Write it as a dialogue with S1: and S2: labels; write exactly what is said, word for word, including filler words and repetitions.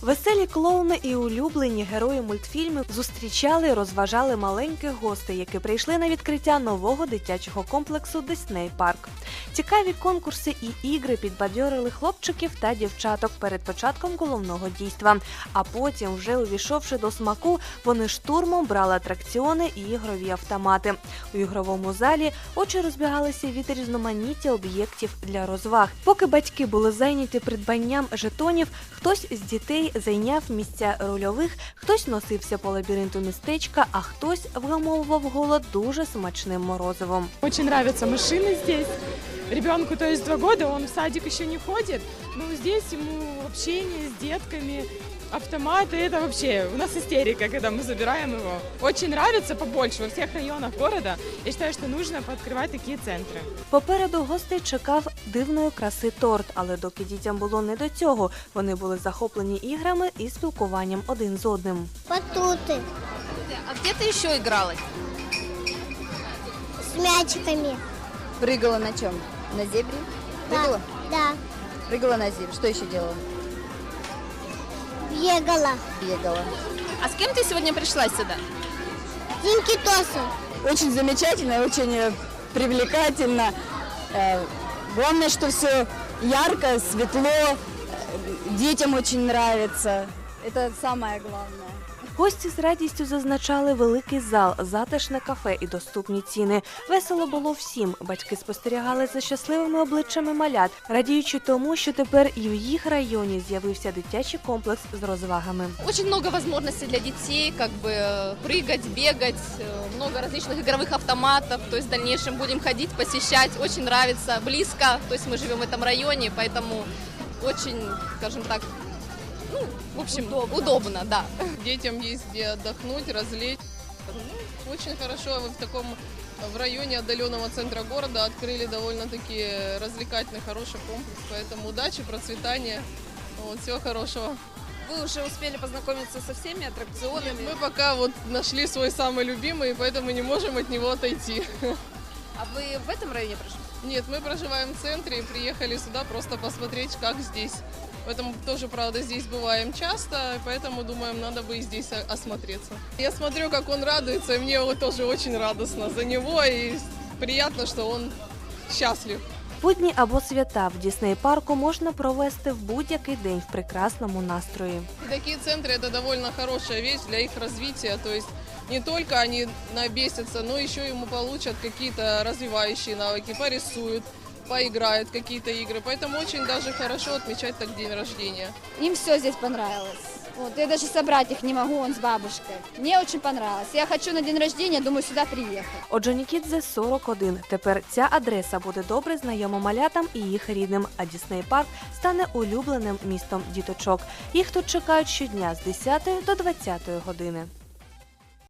S1: Веселі клоуни і улюблені герої мультфільмів зустрічали і розважали маленьких гостей, які прийшли на відкриття нового дитячого комплексу Disney Park. Цікаві конкурси і ігри підбадьорили хлопчиків та дівчаток перед початком головного дійства. А потім, вже увійшовши до смаку, вони штурмом брали атракціони і ігрові автомати. У ігровому залі очі розбігалися від різноманіття об'єктів для розваг. Поки батьки були зайняті придбанням жетонів, хтось з дітей зайняв місця рольових, хтось носився по лабіринту містечка, а хтось вгамовував голод дуже смачним морозивом.
S2: Очень нравятся машины здесь. Ребенку, то есть два года, он в садик еще не ходит, но здесь ему общение с детками, автоматы, это вообще у нас истерика, когда мы забираем его. Очень нравится побольше во всех районах города. Я считаю, что нужно пооткрывать такие центры.
S1: Попереду гостей чекав дивної краси торт, але доки дітям було не до цього, вони були захоплені іграми і спілкуванням один з одним.
S3: Батуты
S4: А где ты еще игралась?
S3: с мячиками.
S4: Прыгала на чем? На зебре?
S3: Да,
S4: Прыгала?
S3: да,
S4: Прыгала на зебре. Что еще делала?
S3: бегала.
S4: Бегала. А с кем ты сегодня пришла сюда?
S3: Динки-тосы.
S5: Очень замечательно, очень э, привлекательно. Э, Главное, что все ярко, светло, э, детям очень нравится. Это самое главное.
S1: Гості з радістю зазначали великий зал, затишне кафе і доступні ціни. Весело було всім. Батьки спостерігали за щасливими обличчями малят, радіючи тому, що тепер і в їх районі з'явився дитячий комплекс з розвагами.
S6: Очень много возможностей для детей, как бы э, прыгать, бегать, э, много различных игровых автоматов, то есть в дальнейшем будем ходить, посещать, очень нравится, близко, то есть мы живем в этом районе, поэтому очень, скажем так, ну, в общем, удобно, удобно, да.
S7: Детям есть где отдохнуть, развлечь. Ну, очень хорошо вы в таком в районе отдаленного центра города открыли довольно-таки развлекательный, хороший комплекс. Поэтому удачи, процветания, вот, всего хорошего.
S4: Вы уже успели познакомиться со всеми аттракционами?
S7: Нет, мы пока вот нашли свой самый любимый, и поэтому не можем от него отойти.
S4: А вы в этом районе проживаете?
S7: Нет, мы проживаем в центре и приехали сюда просто посмотреть, как здесь. Поэтому тоже, правда, здесь бываем часто, поэтому думаем, надо бы и здесь осмотреться. Я смотрю, как он радуется, и мне вот тоже очень радостно за него, и приятно, что он счастлив.
S1: Будні або свята в Дісней-парку можна провести в будь-який день в прекрасному настрої.
S7: И такие центры – это довольно хорошая вещь для их развития, то есть не только они набесятся, но еще ему получат какие-то развивающие навыки, порисуют, поиграют какие-то игры. Поэтому очень даже хорошо отмечать так день рождения.
S8: Им все здесь понравилось. Вот, я даже собрать их не могу, он с бабушкой. Мне очень понравилось. Я хочу на день рождения, думаю, сюда приехать.
S1: Орджонікідзе сорок один. Тепер ця адреса буде добре знайома малятам і їх рідним, а Дісней-парк стане улюбленим містом діточок. Їх тут чекають щодня з десятої до двадцятої години.